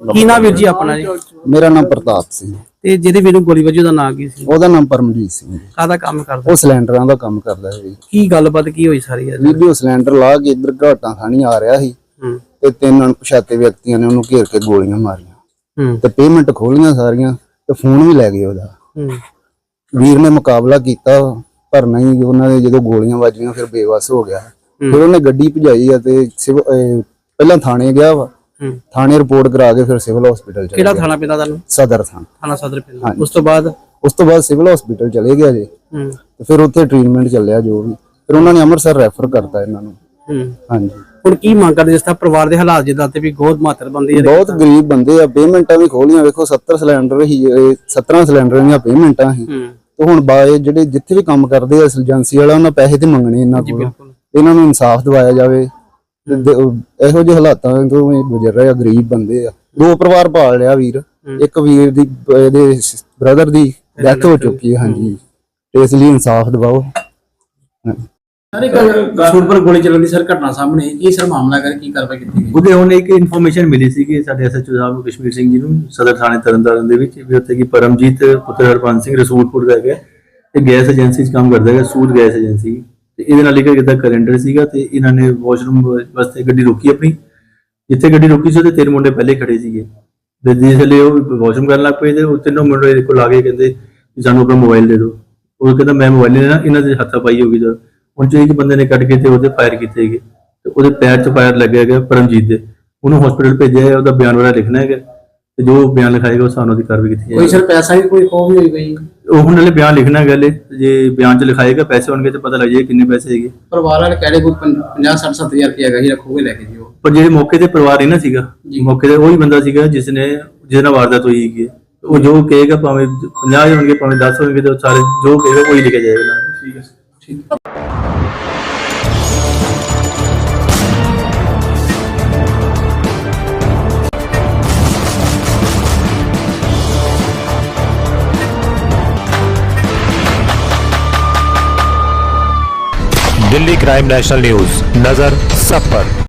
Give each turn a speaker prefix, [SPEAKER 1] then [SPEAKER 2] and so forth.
[SPEAKER 1] ਕੀ ਨਾਮ ਵੀਰ ਜੀ ਆਪਣਾ ਜੀ?
[SPEAKER 2] ਮੇਰਾ ਨਾਮ ਪ੍ਰਤਾਪ ਸਿੰਘ।
[SPEAKER 1] ਤੇ ਜਿਹਦੇ ਵੀਰ ਨੂੰ ਗੋਲੀ ਵੱਜੀ ਉਹਦਾ ਨਾਂ ਕੀ ਸੀ?
[SPEAKER 2] ਉਹਦਾ ਨਾਮ ਪਰਮਜੀਤ ਸਿੰਘ।
[SPEAKER 1] ਕਾਹਦਾ ਕੰਮ ਕਰਦਾ?
[SPEAKER 2] ਉਹ ਸਿਲੰਡਰਾਂ ਦਾ ਕੰਮ ਕਰਦਾ ਸੀ।
[SPEAKER 1] ਕੀ ਗੱਲਬਾਤ ਕੀ ਹੋਈ ਸਾਰੀ ਇਹ?
[SPEAKER 2] ਵੀਡੀਓ ਸਿਲੰਡਰ ਲਾ ਕੇ ਇੱਧਰ ਘਾਟਾਂ ਖਾਣੀ ਆ ਰਿਹਾ ਸੀ ਤੇ ਤਿੰਨ ਅਣਪਛਾਤੇ ਵਿਅਕਤੀਆਂ ਨੇ ਉਹਨੂੰ ਘੇਰ ਕੇ ਗੋਲੀਆਂ ਮਾਰੀਆਂ ਤੇ ਪੇਮੈਂਟ ਖੋਲੀਆਂ ਸਾਰੀਆਂ ਤੇ ਫੋਨ ਵੀ ਲੈ ਗਏ ਉਹਦਾ। ਵੀਰ ਨੇ ਮੁਕਾਬਲਾ ਕੀਤਾ ਪਰ ਨਹੀਂ, ਉਹਨਾਂ ਦੇ ਜਦੋਂ ਗੋਲੀਆਂ ਵੱਜੀਆਂ ਫਿਰ ਬੇਵੱਸ ਹੋ ਗਿਆ। ਫਿਰ ਉਹਨੇ ਗੱਡੀ ਭਜਾਈ ਆ ਤੇ ਪਹਿਲਾਂ ਥਾਣੇ ਗਿਆ ਵਾ, ਥਾਣੇ ਰਿਪੋਰਟ ਕਰਾ ਕੇ ਫਿਰ ਸਿਵਲ ਹਸਪੀਟਲ ਚਲੇ ਗਿਆ।
[SPEAKER 1] ਕਿਹੜਾ ਥਾਣਾ ਪੈਂਦਾ ਤੁਹਾਨੂੰ?
[SPEAKER 2] ਸਦਰ
[SPEAKER 1] ਥਾਣਾ ਸਦਰ ਪੈਂਦਾ। ਉਸ ਤੋਂ ਬਾਅਦ
[SPEAKER 2] ਸਿਵਲ ਹਸਪੀਟਲ ਚਲੇ ਗਿਆ ਜੀ ਤੇ ਫਿਰ ਉੱਥੇ ਟ੍ਰੀਟਮੈਂਟ ਚੱਲਿਆ ਜੋ ਵੀ। ਫਿਰ ਉਹਨਾਂ ਨੇ ਅੰਮ੍ਰਿਤਸਰ ਰੈਫਰ ਕਰਤਾ ਇਹਨਾਂ ਨੂੰ। ਹਾਂਜੀ,
[SPEAKER 1] ਹੁਣ ਕੀ ਮੰਗ ਕਰਦੇ? ਜਿਸ ਤਰ੍ਹਾਂ ਪਰਿਵਾਰ ਦੇ ਹਾਲਾਤ ਜਿੱਦਾਂ ਤੇ ਵੀ ਬਹੁਤ ਮਾਤਰ ਬੰਦੇ ਆ,
[SPEAKER 2] ਬਹੁਤ ਗਰੀਬ ਬੰਦੇ ਆ। ਪੇਮੈਂਟਾਂ ਵੀ ਖੋਲੀਆਂ, ਵੇਖੋ 70 ਸਿਲੰਡਰ ਹੀ, 17 ਸਿਲੰਡਰਾਂ ਦੀਆਂ ਪੇਮੈਂਟਾਂ ਸੀ ਤੇ ਹੁਣ ਬਾਏ ਜਿਹੜੇ ਜਿੱਥੇ ਵੀ ਕੰਮ ਕਰਦੇ ਆ ਏਜੰਸੀ ਵਾਲਾ, ਉਹਨਾਂ ਪੈਸੇ ਤੇ ਮੰਗਣੇ ਇਹਨਾਂ ਕੋਲ। ਇਹਨਾਂ ਨੂੰ ਇਨਸਾਫ ਦਿਵਾਇਆ ਜਾਵੇ। ਇਹੋ ਜਿਹੇ ਹਾਲਾਤਾਂ ਤੋਂ ਗੁਜ਼ਰ ਰਹੇ ਆ, ਗਰੀਬ ਬੰਦੇ ਆ। 2 ਪਰਿਵਾਰ ਪਾਲ ਲਿਆ ਵੀਰ। ਇੱਕ ਵੀਰ ਦੀ ਇਹਦੇ ਬ੍ਰਦਰ ਦੀ ਡੈਥ ਹੋ ਚੁੱਕੀ ਹੈ। ਹਾਂਜੀ, ਇਸ ਲਈ ਇਨਸਾਫ ਦਿਵਾਓ।
[SPEAKER 1] ਸਰ ਇੱਕ ਸੂਟ ਪਰ ਗੋਲੀ ਚੱਲਣ ਦੀ ਸਰ ਘਟਨਾ ਸਾਹਮਣੇ ਕੀ ਸਰ ਮਾਮਲਾ ਕਰ ਕੀ ਕਾਰਵਾਈ ਕੀਤੀ ਗਈ?
[SPEAKER 3] ਉਹਦੇ ਹੁਣ ਇੱਕ ਇਨਫੋਰਮੇਸ਼ਨ ਮਿਲੀ ਸੀ ਕਿ ਸਾਡੇ ਐਸਐਚਓ ਸਾਹਿਬ ਨੂੰ ਕਸ਼ਮੀਰ ਸਿੰਘ ਜੀ ਨੂੰ ਸਦਰ ਥਾਣੇ ਤਰਨਤਾਰਨ ਦੇ ਵਿੱਚ ਵੀ ਉੱਥੇ ਕੀ ਪਰਮਜੀਤ ਪੁੱਤਰ ਹਰਪੰਜ ਸਿੰਘ ਰਸੂਲਪੁਰ ਦਾ ਹੈਗਾ, ਇਹ ਗੈਸ ਏਜੰਸੀ 'ਚ ਕੰਮ ਕਰਦਾ ਹੈਗਾ, ਸੂਦ ਗੈਸ ਏਜੰਸੀ। ਤੇ ਇਹਦੇ ਨਾਲ ਇੱਕ ਕਿਤਾ ਕੈਲੰਡਰ ਸੀਗਾ ਤੇ ਇਹਨਾਂ ਨੇ ਵਾਸ਼ਰੂਮ ਵਾਸਤੇ ਗੱਡੀ ਰੋਕੀ ਆਪਣੀ। ਜਿੱਥੇ ਗੱਡੀ ਰੋਕੀ ਸੀ ਉਹਦੇ 3 ਮੁੰਡੇ ਪਹਿਲੇ ਖੜੇ ਸੀਗੇ ਤੇ ਜਿਸ ਲਈ ਉਹ ਵਾਸ਼ਰੂਮ ਕਰਨ ਲੱਗ ਪਏ ਤੇ ਉਹ ਤਿੰਨੋਂ ਮੁੰਡੇ ਇਹਦੇ ਕੋਲ ਆ ਕੇ ਕਹਿੰਦੇ ਸਾਨੂੰ ਆਪਣਾ ਮੋਬਾਈਲ ਦੇ ਦਿਓ। ਉਹ ਕਹਿੰਦਾ ਮੈਂ ਮੋਬਾਈਲ ਨਹੀਂ ਲੈਣਾ, ਇਹਨਾਂ ਦੇ ਹੱਥਾਪਾਈ ਹੋ ਗਈ। ਤਾਂ ਉਹਨਾਂ 'ਚੋਂ ਇੱਕ ਬੰਦੇ ਨੇ ਕੱਢ ਕੇ ਤੇ ਉਹਦੇ ਫਾਇਰ ਕੀਤੇ ਹੈਗੇ ਤੇ ਉਹਦੇ ਪੈਰ 'ਚ ਫਾਇਰ ਲੱਗਿਆ ਹੈਗਾ ਪਰਮਜੀਤ ਦੇ। ਉਹਨੂੰ ਹਸਪੀਟਲ ਭੇਜਿਆ ਹੈ, ਉਹਦਾ ਬਿਆਨ ਵਗੈਰਾ ਲਿਖਣਾ ਹੈਗਾ ਤੇ ਜੋ ਬਿਆਨ ਲਿਖਾਏਗਾ ਉਹ ਸਾਨੂੰ ਦੀ ਕਾਰਵਾਈ ਕੀਤੀ
[SPEAKER 1] ਕੋਈ ਸਰ ਪੈਸਾ ਵੀ ਕੋਈ ਖੋਹ ਵੀ ਹੋਈ ਗਈ?
[SPEAKER 3] ਉਹ ਹੁਣ ਨਾਲੇ ਬਿਆਨ ਲਿਖਣਾ ਹੈਗਾ, ਜੇ ਬਿਆਨ 'ਚ ਲਿਖਾਏਗਾ ਪੈਸੇ ਹੋਣਗੇ ਤੇ ਪਤਾ ਲੱਗ ਜਾਏਗਾ ਕਿੰਨੇ ਪੈਸੇ ਹੈਗੇ।
[SPEAKER 1] ਪਰਿਵਾਰ ਵਾਲੇ ਕਹਿ ਰਹੇ ਕੋਈ 50-60-70,000 ਰੁਪਏ ਹੈਗਾ ਹੀ, ਰੱਖੋਗੇ ਲੈ ਕੇ ਜੀ।
[SPEAKER 3] ਪਰ ਜਿਹੜੇ ਮੌਕੇ ਤੇ ਪਰਿਵਾਰ ਹੀ ਨਾ ਸੀਗਾ, ਮੌਕੇ ਤੇ ਉਹੀ ਬੰਦਾ ਸੀਗਾ ਜਿਹਦੇ ਨਾਲ ਵਾਰਦਾਤ ਹੋਈ ਹੈਗੀ। ਉਹ ਜੋ ਕਹੇਗਾ ਭਾਵੇਂ 50 ਹੋਣਗੇ ਭਾਵੇਂ 10 ਹੋਣਗੇ ਤੇ ਸਾਰੇ ਜੋ ਕਹੇਗਾ ਉਹੀ ਲਿਖਿਆ ਜਾਏਗਾ। ਠੀਕ ਹੈ, ਠੀਕ।
[SPEAKER 4] दिल्ली क्राइम नेशनल न्यूज, नजर सब पर।